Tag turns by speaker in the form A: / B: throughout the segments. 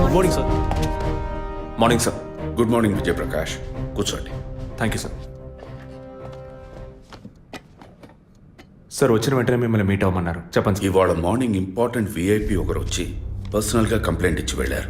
A: Morning sir. Morning sir.
B: Good morning Vijayaprakash, కూర్చోండి.
A: Thank you sir. Sir వచ్చిన వెంటనే మిమ్మల్ని మీట్ అవ్వమన్నారు, చెప్పండి సార్.
B: ఇవాళ మార్నింగ్ ఇంపార్టెంట్ విఐపి ఒకరు వచ్చి పర్సనల్గా కంప్లైంట్ ఇచ్చి వెళ్ళారు.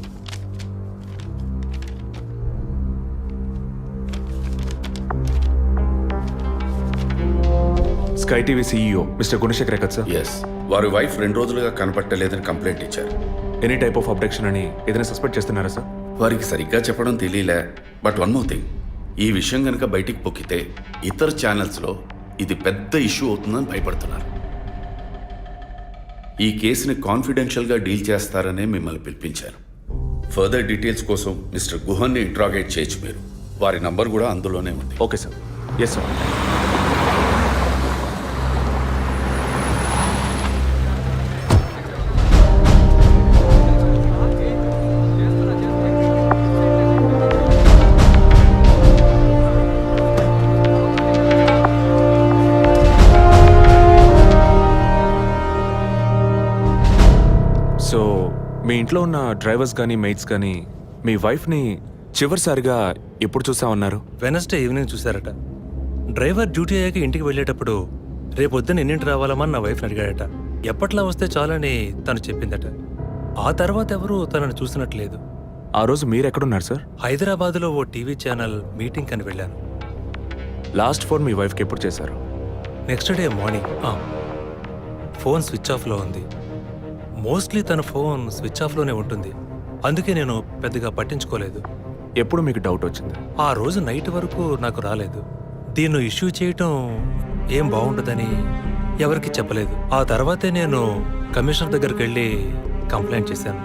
A: Sky TV CEO mister Gunasekhar కదా సార్?
B: ఎస్, వారి వైఫ్ 2 రోజులుగా కనపట్టలేదని కంప్లైంట్ ఇచ్చారు.
A: ఎనీ టైప్ ఆఫ్ అబ్డక్షన్ అని ఏదైనా సస్పెక్ట్ చేస్తున్నారా సార్?
B: వారికి సరిగ్గా చెప్పడం తెలియలే. బట్ వన్ మోర్ థింగ్, ఈ విషయం కనుక బయటికి పొక్కితే ఇతర ఛానల్స్లో ఇది పెద్ద ఇష్యూ అవుతుందని భయపడుతున్నారు. ఈ కేసుని కాన్ఫిడెన్షియల్గా డీల్ చేస్తారనే మిమ్మల్ని పిలిపించారు. ఫర్దర్ డీటెయిల్స్ కోసం మిస్టర్ గుహన్ని ఇంట్రాగేట్ చేయొచ్చు మీరు. వారి నంబర్ కూడా అందులోనే ఉంది.
A: Okay sir. Yes sir. So మీ ఇంట్లో ఉన్న డ్రైవర్స్ కానీ మెయిట్స్ కానీ మీ వైఫ్ని చివరిసారిగా ఎప్పుడు చూసా ఉన్నారు?
C: వెనస్డే ఈవినింగ్ చూశారట. డ్రైవర్ డ్యూటీ అయ్యాక ఇంటికి వెళ్ళేటప్పుడు రేపొద్దున ఎన్నింటి రావాలమని నా వైఫ్ని అడిగాడట. ఎప్పట్లా వస్తే చాలని తను చెప్పిందట. ఆ తర్వాత ఎవరూ తనను చూసినట్లేదు.
A: ఆ రోజు మీరు ఎక్కడున్నారు సార్?
C: హైదరాబాద్లో ఓ టీవీ ఛానల్ మీటింగ్ అని వెళ్ళాను.
A: లాస్ట్ ఫోన్ మీ వైఫ్కి ఎప్పుడు చేశారు?
C: Next day morning. Phone switch ఆఫ్లో ఉంది. మోస్ట్లీ తన ఫోన్ స్విచ్ ఆఫ్లోనే ఉంటుంది. అందుకే నేను పెద్దగా పట్టించుకోలేదు.
A: ఎప్పుడు మీకు డౌట్ వచ్చింది?
C: ఆ రోజు నైట్ వరకు నాకు రాలేదు. దీన్ని ఇష్యూ చేయటం ఏం బాగుండదని ఎవరికి చెప్పలేదు. ఆ తర్వాతే నేను కమిషనర్ దగ్గరికి వెళ్ళి కంప్లైంట్ చేశాను.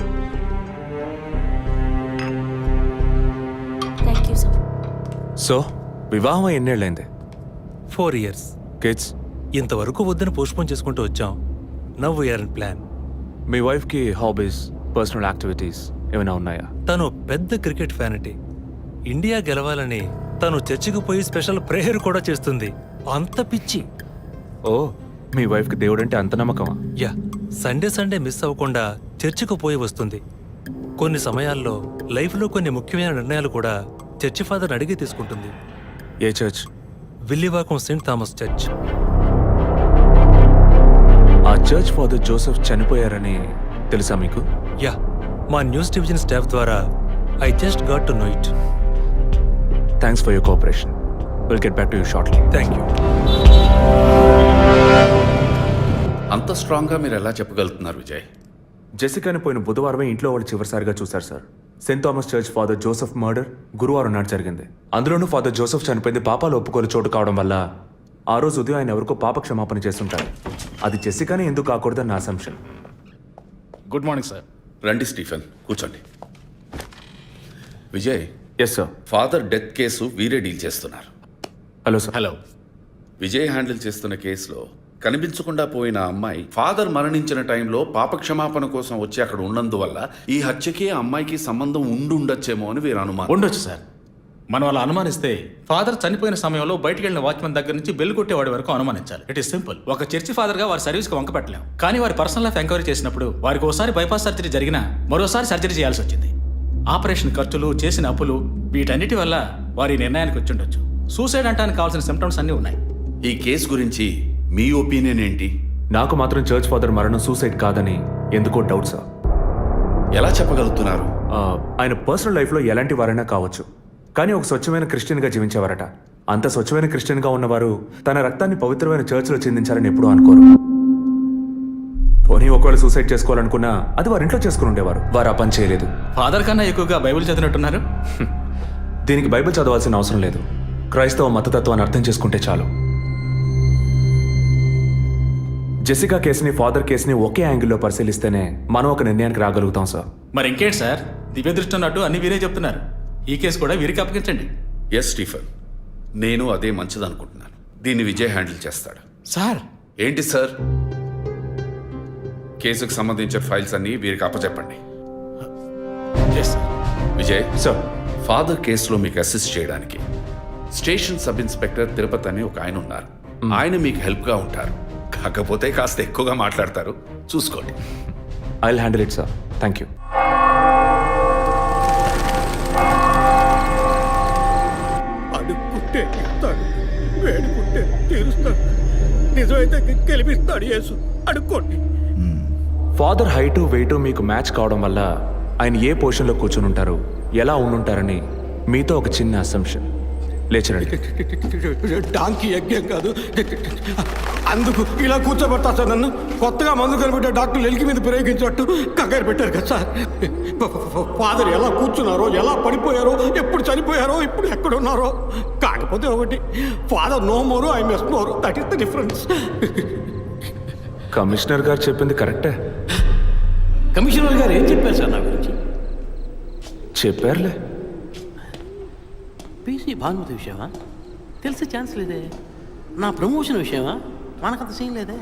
A: సో వివాహం ఎన్నేళ్ళైంది?
C: 4 years.
A: కిడ్స్?
C: ఇంతవరకు వద్దని పోస్ట్పోన్ చేసుకుంటూ వచ్చాం. Now we're in plan.
A: మీ వైఫ్కి హాబీస్, పర్సనల్ యాక్టివిటీస్ ఏమైనా ఉన్నాయా?
C: తను పెద్ద క్రికెట్ ఫ్యానిటీ. ఇండియా గెలవాలని తను చర్చికి పోయి స్పెషల్ ప్రేయర్ కూడా చేస్తుంది. అంత పిచ్చి.
A: ఓ, మీ వైఫ్కి దేవుడు అంటే అంత నమ్మకమా?
C: యా, సండే మిస్ అవ్వకుండా చర్చికి పోయి వస్తుంది. కొన్ని సమయాల్లో లైఫ్లో కొన్ని ముఖ్యమైన నిర్ణయాలు కూడా చర్చి ఫాదర్ అడిగి తీసుకుంటుంది.
A: ఏ church?
C: Villivakkam Saint Thomas church.
A: ఆ చర్చ్ ఫాదర్ జోసెఫ్ చనిపోయారని తెలుసా మీకు?
C: యా, మా న్యూస్ డివిజన్ స్టాఫ్ ద్వారా I just got to know it.
A: Thanks for your cooperation. Will get back to you shortly.
C: Thank you.
B: అంత స్ట్రాంగ్గా మీరు ఎలా చెప్పగలుగుతున్నారు విజయ్?
A: జెసికాని పోయిన బుధవారమే ఇంట్లో వాళ్ళు చివరిసారిగా చూశారు sir. Saint Thomas church father Joseph murder గురువారం నాడు జరిగింది. అందులోనూ ఫాదర్ జోసెఫ్ చనిపోయింది పాపాలు ఒప్పుకోలు చోటు కావడం వల్ల ఆ రోజు ఉదయం ఆయన ఎవరికో పాప క్షమాపణ చేస్తుంటారు. అది జెసికానే ఎందుకు కాకూడదని నా అసంప్షన్.
D: Good morning sir.
B: రండి స్టీఫెన్, కూర్చోండి. Vijay,
A: yes sir.
B: Father death case వీరే డీల్ చేస్తున్నారు.
A: Hello sir.
D: Hello.
B: Vijay handle చేస్తున్న కేసులో కనిపించకుండా పోయిన అమ్మాయి ఫాదర్ మరణించిన టైంలో పాప క్షమాపణ కోసం వచ్చి అక్కడ ఉన్నందువల్ల ఈ హత్యకి ఆ అమ్మాయికి సంబంధం ఉండొచ్చేమో అని వీరు అనుమానం.
D: ఉండొచ్చు సార్. మనం అలా అనుమానిస్తే ఫాదర్ చనిపోయిన సమయంలో బయటికి వెళ్ళిన వాచ్మెన్ దగ్గర నుంచి బెల్ కొట్టేవాడి వరకు అనుమానించాలి. It is simple. ఒక చర్చి ఫాదర్ గా వారి సర్వీస్ కి వంక పెట్టలేం. కానీ వారి పర్సనల్ లైఫ్ ఎంక్వైరీ చేసినప్పుడు వారికి ఒకసారి బైపాస్ సర్జరీ జరిగినా మరోసారి సర్జరీ చేయాల్సి వచ్చింది. ఆపరేషన్ ఖర్చులు, చేసిన అప్పులు, వీటన్నిటి వల్ల వారి నిర్ణయానికి వచ్చి ఉండొచ్చు. సూసైడ్ అంటానికి కావాల్సిన సిమ్టమ్స్ అన్నీ ఉన్నాయి.
B: ఈ కేసు గురించి మీ ఒపీనియన్ ఏంటి?
A: నాకు మాత్రం చర్చ్ ఫాదర్ మరణం సూసైడ్ కాదని ఎందుకో డౌట్ సార్.
B: ఎలా చెప్పగలుగుతున్నారు?
A: ఆయన పర్సనల్ లైఫ్లో ఎలాంటి వారైనా కావచ్చు, కానీ ఒక స్వచ్ఛమైన క్రిస్టియన్గా జీవించేవారట. అంత స్వచ్ఛమైన క్రిస్టియన్గా ఉన్నవారు తన రక్తాన్ని పవిత్రమైన చర్చ్లో చెందించారని ఎప్పుడూ అనుకోరు. పోనీ ఒకవేళ సూసైడ్ చేసుకోవాలనుకున్నా అది వారి ఇంట్లో చేసుకుని ఉండేవారు. వారు ఆ పని చేయలేదు.
D: ఫాదర్ కన్నా ఎక్కువగా బైబిల్ చదివినట్టున్నారు.
A: దీనికి బైబిల్ చదవాల్సిన అవసరం లేదు. క్రైస్తవ మతతత్వాన్ని అర్థం చేసుకుంటే చాలు. జెసికా కేసుని, ఫాదర్ కేసుని ఒకే యాంగిల్లో పరిశీలిస్తేనే మనం ఒక నిర్ణయానికి రాగలుగుతాం సార్.
D: మరి ఇంకేంటి సార్, దివ్య దృష్టి ఉన్నట్టు అన్ని వీరే చెప్తున్నారు. ఈ కేసు కూడా వీరికి అప్పగించండి.
B: ఎస్ స్టీఫెన్, నేను అదే మంచిదనుకుంటున్నాను. దీన్ని విజయ్ హ్యాండిల్ చేస్తాడు.
D: సార్.
B: ఏంటి సార్? కేసుకు సంబంధించిన ఫైల్స్ అన్ని వీరికి అప్పచెప్పండి. విజయ్
A: సార్,
B: ఫాదర్ కేసులో మీకు అసిస్ట్ చేయడానికి స్టేషన్ సబ్ ఇన్స్పెక్టర్ తిరుపతి అని ఒక ఆయన ఉన్నారు. ఆయన మీకు హెల్ప్గా ఉంటారు. కాకపోతే కాస్త ఎక్కువగా మాట్లాడతారు, చూసుకోండి.
A: I will handle it sir. Thank you.
E: నిజమైతే గెలిపిస్తాడు యేసు, అడుక్కోండి.
A: ఫాదర్ హైటు వెయిటు మీకు మ్యాచ్ కావడం వల్ల ఆయన ఏ పొజిషన్లో కూర్చుని ఉంటారు, ఎలా ఉండుంటారని మీతో ఒక చిన్న అసంప్షన్. లేచరండి.
E: డాంకీ యజ్ఞం కాదు, అందుకు ఇలా కూర్చోబెడతా సార్ నన్ను. కొత్తగా మందు కనిపెట్టే డాక్టర్లు ఎలికి మీద ప్రయోగించినట్టు కంగారు పెట్టారు కదా సార్. ఫాదర్ ఎలా కూర్చున్నారో, ఎలా పడిపోయారో, ఎప్పుడు చనిపోయారో, ఇప్పుడు ఎక్కడున్నారో. కాకపోతే ఒకటి, father no more, I mess more, that is the difference.
A: Commissioner గారు చెప్పింది కరెక్టే.
E: కమిషనర్ గారు ఏం చెప్పారు సార్ నా గురించి?
A: చెప్పారులే.
F: పీసీ భానుమతి విషయమా? తెలిసే ఛాన్స్ లేదే. నా ప్రమోషన్ విషయమా? మనకంత సీన్ లేదే.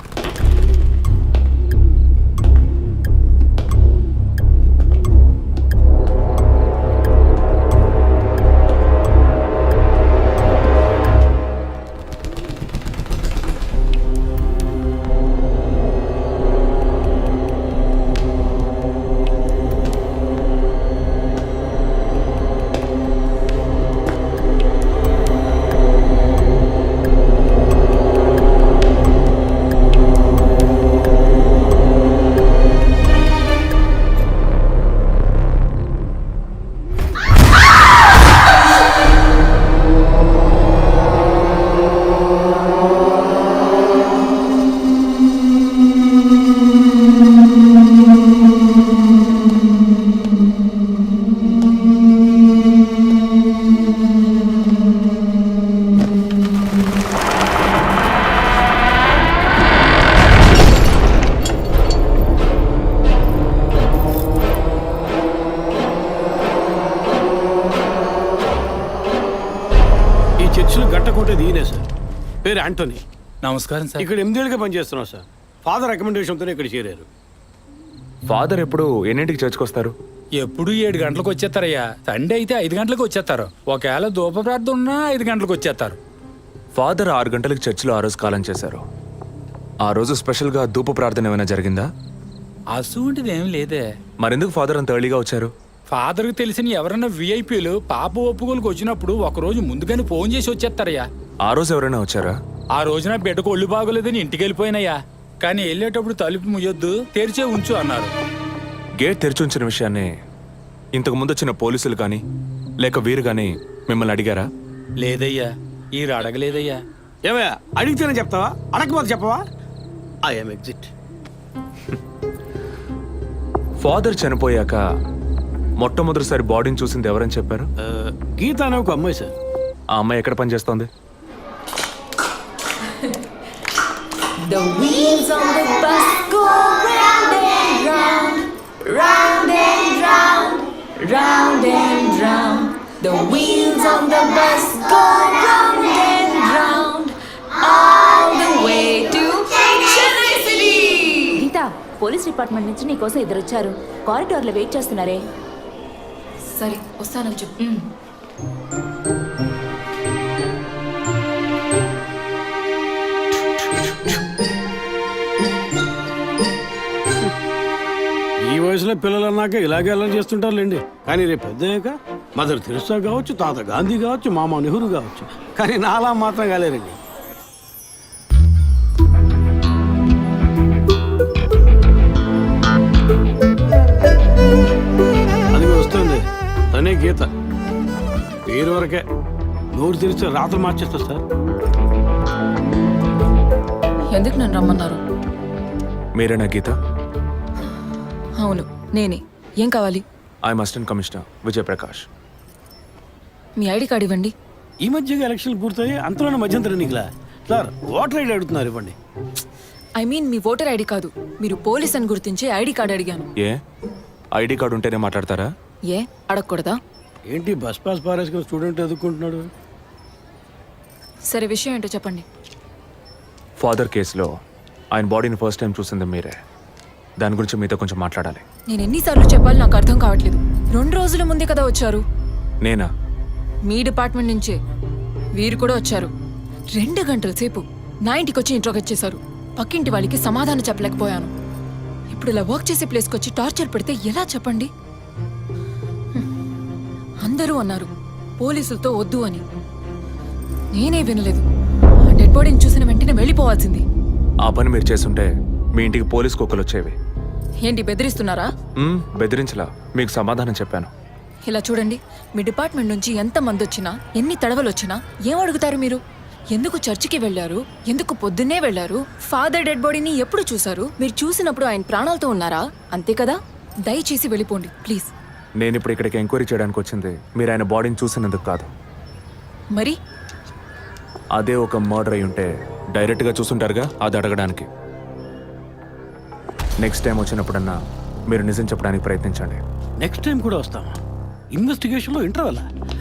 E: గట్టకోటేది ఈయనే సార్. పేరు యాంటోనీ.
D: నమస్కారం సార్.
E: ఇక్కడ 8 ఏళ్ళుగా పనిచేస్తున్నాం సార్. ఫాదర్ రికమెండేషన్తోనే ఇక్కడ చేరారు.
A: ఫాదర్ ఎప్పుడు ఎన్నింటికి చర్చ్కి వస్తారు?
G: ఎప్పుడు 7 గంటలకు వచ్చేస్తారయ్యా. సండే అయితే 5 గంటలకు వచ్చేస్తారు. ఒకవేళ ధూప ప్రార్థన ఉన్నా 5 గంటలకు వచ్చేస్తారు.
A: ఫాదర్ 6 గంటలకు చర్చిలో ఆ రోజు కాలం చేశారు. ఆ రోజు స్పెషల్గా ధూప ప్రార్థన ఏమైనా జరిగిందా?
G: అసువంటిది ఏం లేదే.
A: మరెందుకు ఫాదర్ అంత ఎర్లీగా వచ్చారు?
G: ఫాదర్కి తెలిసిన ఎవరైనా విఐపీలు పాప ఒప్పుకోలకు వచ్చినప్పుడు ఒకరోజు ముందుగానే ఫోన్ చేసి వచ్చేస్తారయ్యా.
A: ఆ రోజు ఎవరైనా వచ్చారా?
G: ఆ రోజున బిడ్డకు ఒళ్ళు బాగోలేదని ఇంటికి వెళ్ళిపోయినయ్యా. కానీ వెళ్ళేటప్పుడు తలుపు ముయ్యొద్దు, తెరిచే ఉంచు అన్నారు.
A: గేట్ తెరిచి ఉంచిన విషయాన్ని ఇంతకు ముందు వచ్చిన పోలీసులు కానీ లేక వీరు కానీ మిమ్మల్ని అడిగారా?
G: లేదయ్యా, ఈ అడగలేదయ్యా.
E: ఏమయ్యా, అడిగితేనే చెప్తావా, అడగకపోతే చెప్పవా? I'm exit.
A: ఫాదర్ చనిపోయాక మొట్టమొదటిసారి బాడీని చూసింది ఎవరని చెప్పారు?
E: గీత అనే ఒక అమ్మాయి సార్.
A: ఆ అమ్మాయి ఎక్కడ పనిచేస్తోంది?
H: The wheels on the bus go round and round, round and round, round and round. The wheels on the bus go round and round, all the way to Chennai City. Geetha, police department నుంచి నీకోసం ఇద్దరు వచ్చారు. కారిడార్లో wait చేస్తున్నారే.
I: సరే వస్తానని చెప్పు.
E: ఈ వయసులో పిల్లలు అన్నాక ఇలాగే అలా చేస్తుంటారులేండి. కానీ రేపు పెద్దయ్యాక మదర్ తెరిసా కావచ్చు, తాత గాంధీ కావచ్చు, మామ నెహ్రూ కావచ్చు. కానీ నాలా మాత్రం కాలేరండి. అది వస్తుంది, తనే గీత. పేరు వరకే, నోరు తెరిస్తే రాత్రి మార్చేస్తా సార్.
I: ఎందుకు నన్ను రమ్మన్నారు?
A: మీరేనా గీత?
I: అవును నేనే. ఏం కావాలి?
A: I'm assistant commissioner Vijayaprakash.
I: మీ ఐడి కార్డ్ ఇవ్వండి.
E: ఈ మధ్యగా ఎలక్షన్లు పూర్తయి అంతలోనే మధ్యంతర ఎన్నికలా సార్. ఓటర్ ఐడి అడుగుతున్నారు, ఇవ్వండి.
I: ఐ మీన్ మీ ఓటర్ ఐడి కాదు, మీరు పోలీస్ అని గుర్తించే ఐడి కార్డ్ అడిగాను.
A: ఏ ఐడి కార్డు ఉంటేనే మాట్లాడతారా?
I: ఏ అడగకూడదా?
E: ఏంటి బస్ పాస్ పారేసుకుని స్టూడెంట్ ఎదుర్కొంటున్నాడు?
I: సరే విషయం ఏంటో చెప్పండి.
A: ఫాదర్ కేసులో ఆయన బాడీని ఫస్ట్ టైం చూసింది మీరే. దాని గురించి మీతో కొంచెం మాట్లాడాలి.
I: నేను ఎన్నిసార్లు చెప్పాలి, నాకు అర్థం కావట్లేదు. 2 రోజుల ముందే కదా వచ్చారు.
A: నేనా?
I: మీ డిపార్ట్మెంట్ నుంచే వీరు కూడా వచ్చారు. 2 గంటల సేపు నా ఇంటికి వచ్చి ఇంట్రోగేట్ చేశారు. పక్కింటి వాళ్ళకి సమాధానం చెప్పలేకపోయాను. ఇప్పుడు ఇలా వర్క్ చేసే ప్లేస్కి వచ్చి టార్చర్ పెడితే ఎలా చెప్పండి? అందరూ అన్నారు పోలీసులతో వద్దు అని. నేనే వినలేదు. డెడ్ బాడీని చూసిన వెంటనే వెళ్ళిపోవాల్సింది.
A: ఆ పని మీరు చేస్తుంటే మీ ఇంటికి పోలీస్ కుక్కలు వచ్చేవి.
I: ఏంటి బెదిరిస్తున్నారా?
A: బెదిరించలా, మీకు సమాధానం చెప్పాను.
I: ఇలా చూడండి, మీ డిపార్ట్మెంట్ నుంచి ఎంత మంది వచ్చినా, ఎన్ని తడవలు వచ్చినా ఏం అడుగుతారు మీరు? ఎందుకు చర్చికి వెళ్ళారు? ఎందుకు పొద్దున్నే వెళ్ళారు? ఫాదర్ డెడ్ బాడీని ఎప్పుడు చూశారు? మీరు చూసినప్పుడు ఆయన ప్రాణాలతో ఉన్నారా? అంతే కదా. దయచేసి వెళ్ళిపోండి ప్లీజ్.
A: నేను ఇప్పుడు ఇక్కడికి ఎంక్వైరీ చేయడానికి వచ్చింది మీరు ఆయన బాడీని చూసినందుకు కాదు.
I: మరి
A: అదే ఒక మర్డర్ అయి ఉంటే డైరెక్ట్గా చూసుంటారుగా, అది అడగడానికి. నెక్స్ట్ టైం వచ్చినప్పుడన్నా మీరు నిజం చెప్పడానికి ప్రయత్నించండి.
F: నెక్స్ట్ టైం కూడా వస్తామా? ఇన్వెస్టిగేషన్లో ఇంటర్వెల్.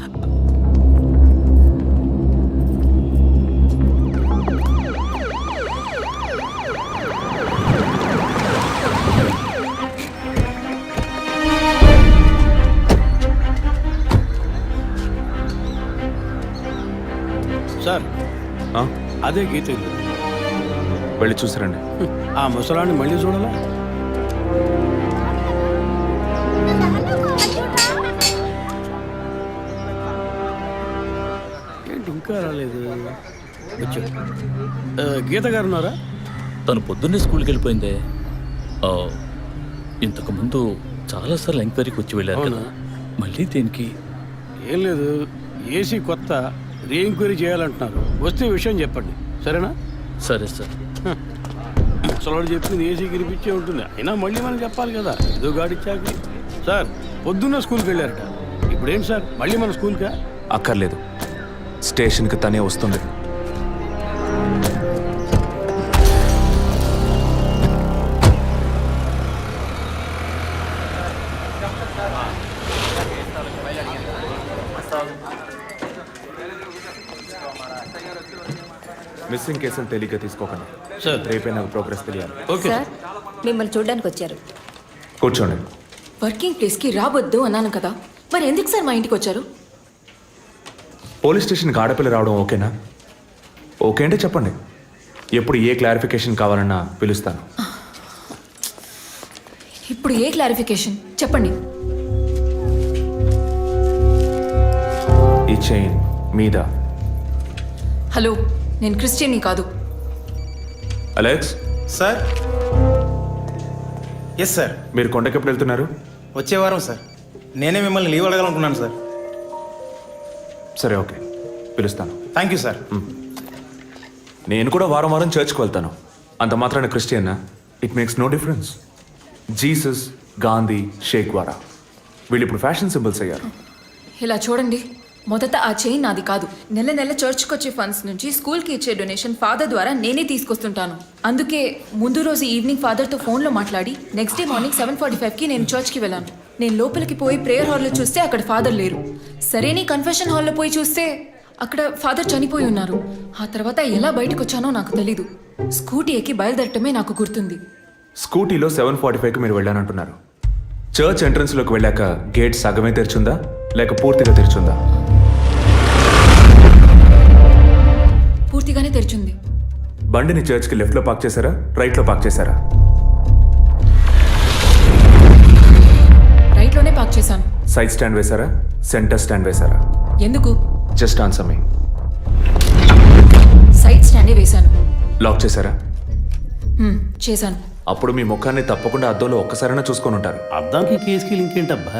F: సార్,
A: ఆ?
F: అదే గీత ఇల్లు.
A: వెళ్ళి చూసిరండి.
F: ఆ ముసలాన్ని మళ్ళీ చూడాలా? ఏంటి ఇంకా రాలేదు? వచ్చాడు. గీత గారు ఉన్నారా?
J: తను పొద్దున్నే స్కూల్కి వెళ్ళిపోయిందే. ఇంతకు ముందు చాలాసార్లు ఎంక్వైరీకి వచ్చి వెళ్ళారు కదా, మళ్ళీ దేనికి?
F: ఏం లేదు, ఏసీ కొత్త రీ ఎంక్వైరీ చేయాలంటున్నారు. వస్తే విషయం చెప్పండి, సరేనా?
J: సరే సార్.
F: ముసలాడు చెప్పింది ఏసీ గిరిపించే ఉంటుంది, అయినా మళ్ళీ మనం చెప్పాలి కదా, ఏదో గాడిచ్చాక. సార్, పొద్దున్న స్కూల్కి వెళ్ళారట, ఇప్పుడేంటి సార్ మళ్ళీ మన స్కూల్కా?
A: అక్కర్లేదు, స్టేషన్కి తనే వస్తుంది. మిస్సింగ్ కేసులు తేలిగ్గా తీసుకోకండి
F: సార్.
A: రేపే నాకు ప్రోగ్రెస్ తెలియాలి.
F: ఓకే
H: సార్, మిమ్మల్ని చూడడానికి వచ్చారు.
A: కూర్చోండి.
I: వర్కింగ్ ప్లేస్కి రావద్దు అన్నాను కదా, మరి ఎందుకు సార్ మా ఇంటికి వచ్చారు?
A: పోలీస్ స్టేషన్కి ఆడపిల్ల రావడం ఓకేనా? ఓకే అంటే చెప్పండి, ఎప్పుడు ఏ క్లారిఫికేషన్ కావాలన్నా పిలుస్తాను.
I: ఇప్పుడు ఏ క్లారిఫికేషన్ చెప్పండి.
A: ఈ చైన్ మీద.
I: హలో, నేను క్రిస్టియన్ని కాదు.
A: Alex,
K: sir. Yes sir.
A: మీరు కొండకి ఎప్పుడు వెళ్తున్నారు?
K: వచ్చే వారం సార్. నేనే మిమ్మల్ని లీవ్ అడగాలనుకున్నాను సార్.
A: సరే, ఓకే, పిలుస్తాను.
K: Thank you sir.
A: నేను కూడా వారం వారం చర్చ్కి వెళ్తాను. అంత మాత్రాన క్రిస్టియన్నా? It makes no difference. Jesus, Gandhi, షేక్ వారా వీళ్ళు ఇప్పుడు ఫ్యాషన్ సింబల్స్ అయ్యారు.
I: ఇలా చూడండి, మొదట ఆ చైన్ నాది కాదు. నెల నెల చర్చ్కి వచ్చే ఫండ్స్ నుంచి స్కూల్కి ఇచ్చే డొనేషన్ ఫాదర్ ద్వారా నేనే తీసుకొస్తుంటాను. అందుకే ముందు రోజు ఈవినింగ్ ఫాదర్తో ఫోన్లో మాట్లాడి నెక్స్ట్ డే మార్నింగ్ 7:45కి నేను చర్చ్కి వెళ్ళాను. నేను లోపలికి పోయి ప్రేయర్ హాల్లో చూస్తే అక్కడ ఫాదర్ లేరు. సరే, నీ కన్ఫెషన్ హాల్లో పోయి చూస్తే అక్కడ ఫాదర్ చనిపోయి ఉన్నారు. ఆ తర్వాత ఎలా బయటకు వచ్చానో నాకు తెలీదు. స్కూటీ ఎక్కి బయలుదేరటమే నాకు గుర్తుంది.
A: స్కూటీలో 7:45కి మీరు వెళ్ళానంటున్నారు. చర్చ్ ఎంట్రన్స్లోకి వెళ్ళాక గేట్ సగమే తెరిచుందా లేక పూర్తిగా తెరిచుందా?
I: పూర్తిగానే తెరిచింది.
A: బండిని చర్చ్కి లెఫ్ట్లో పార్క్ చేశారా, రైట్లో పార్క్ చేశారా?
I: రైట్లోనే పార్క్ చేశాను.
A: సైడ్ స్టాండ్ వేశారా, సెంటర్ స్టాండ్ వేశారా?
I: ఎందుకు?
A: Just answer me.
I: సైడ్ స్టాండే వేశాను.
A: లాక్ చేశారా?
I: చేశాను.
A: అప్పుడు మీ ముఖాన్ని తప్పకుండా అద్దంలో ఒక్కసారైనా చూసుకొని ఉంటారు.
F: అద్దానికి కేసుకి లింక్ ఏంటబ్బా?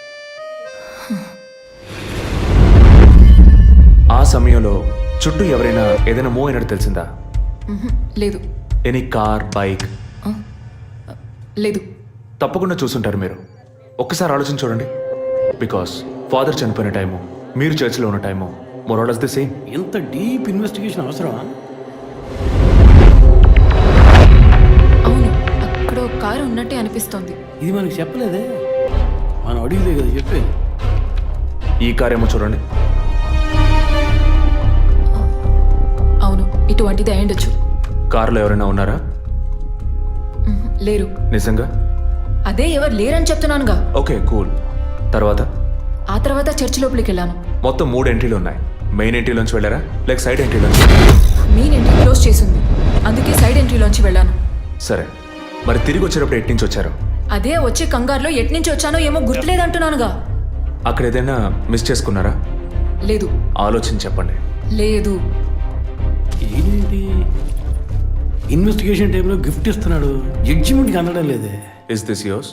A: ఆ సమయంలో చుట్టూ ఎవరైనా ఏదైనా మూవ్ అయినట్టు తెలిసిందా?
I: లేదు.
A: Any car, bike?
I: లేదు.
A: తప్పకుండా చూసుంటారు మీరు. ఒక్కసారి ఆలోచన చూడండి. బికాస్ ఫాదర్ చనిపోయిన టైము, మీరు చర్చిలో ఉన్న టైము మోరాలస్ ది సేమ్.
F: ఎంత డీప్ ఇన్వెస్టిగేషన్ అవసరమా?
I: అవును, అక్కడ ఒక కారు ఉన్నట్టే అనిపిస్తోంది.
F: ఇది మనకి చెప్పలేదే, మనం అడిగితే కదా చెప్పేది.
A: ఈ కార్ ఏమో చూడండి.
I: అవును, ఇటువంటిది అయ్యుండొచ్చు.
A: కారులో ఎవరైనా ఉన్నారా?
I: లేరు.
A: నిజంగా?
I: అదే ఎవరు లేరని చెప్తున్నానుగా.
A: Okay, cool. తర్వాత?
I: ఆ తర్వాత చర్చ్ లోపలికి వెళ్ళాను.
A: మొత్తం 3 ఎంట్రీలు ఉన్నాయి. మెయిన్ ఎంట్రీలోంచి వెళ్ళారా లేక సైడ్ ఎంట్రీలోంచి?
I: మెయిన్ ఎంట్రీ క్లోజ్ చేసింది, అందుకే సైడ్ ఎంట్రీలోంచి వెళ్ళాను.
A: సరే, మరి తిరిగి వచ్చేటప్పుడు ఎట్నుంచి వచ్చారు?
I: అదే వచ్చే కంగారులో ఎట్నుంచి వచ్చానో ఏమో గుర్తులేదంటున్నానుగా.
A: అక్కడ ఏదైనా మిస్ చేసుకున్నారా?
I: లేదు.
A: ఆలోచించి చెప్పండి.
I: లేదు.
F: ఏంటి ఇన్వెస్టిగేషన్ టైంలో గిఫ్ట్ ఇస్తున్నాడు, జడ్జిమెంట్కి అందడం లేదే.
A: Is this yours?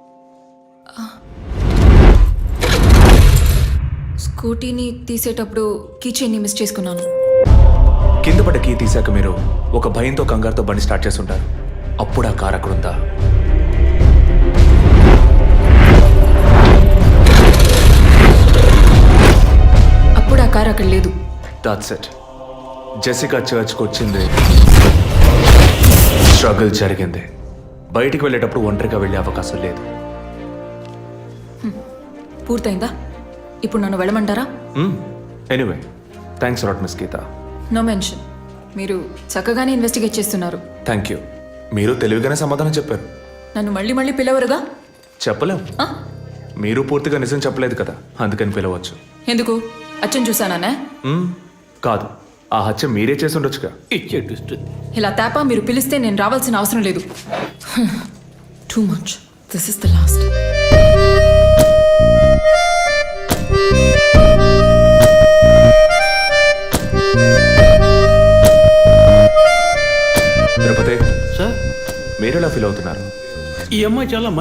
I: స్కూటీని తీసేటప్పుడు కీచైన్ని మిస్ చేసుకున్నాను.
A: కింద పడ్డ కీ తీశాక మీరు ఒక భయంతో కంగారుతో బండి స్టార్ట్ చేస్తుంటారు. అప్పుడు ఆ కార్ అక్కడ ఉందా?
I: అప్పుడు ఆ కార్ అక్కడ లేదు.
A: That's it. జెసికా చర్చ్కి వచ్చింది, స్ట్రగుల్ జరిగింది. బయటికి వెళ్ళేటప్పుడు ఒంటరిగా వెళ్ళే అవకాశం లేదు.
I: పూర్తయిందా? ఇప్పుడు నన్ను వెళ్ళమంటారా?
A: Anyway, thanks lot miss Geetha.
I: No mention. మీరు చక్కగానే ఇన్వెస్టిగేట్ చేస్తున్నారు.
A: Thank you. మీరు తెలివిగానే సమాధానం చెప్పారు.
I: నన్ను మళ్ళీ మళ్ళీ పిలవరుగా?
A: చెప్పలేం.
I: ఆ?
A: మీరు పూర్తిగా నిజం చెప్పలేదు కదా, అందుకని పిలవచ్చు.
I: ఎందుకు? అచ్చం చూసానా?
A: కాదు, ఆ హత్య మీరే చేసి ఉండొచ్చుగా.
F: ఇచ్చే ట్విస్ట్.
I: ఇలా తేపా మీరు పిలిస్తే నేను రావాల్సిన అవసరం లేదు. Too much. This is the last.
A: Tirupati,
F: sir
A: మీరు ఎలా ఫీల్ అవుతున్నారు?
F: ఈ అమ్మాయి చాలా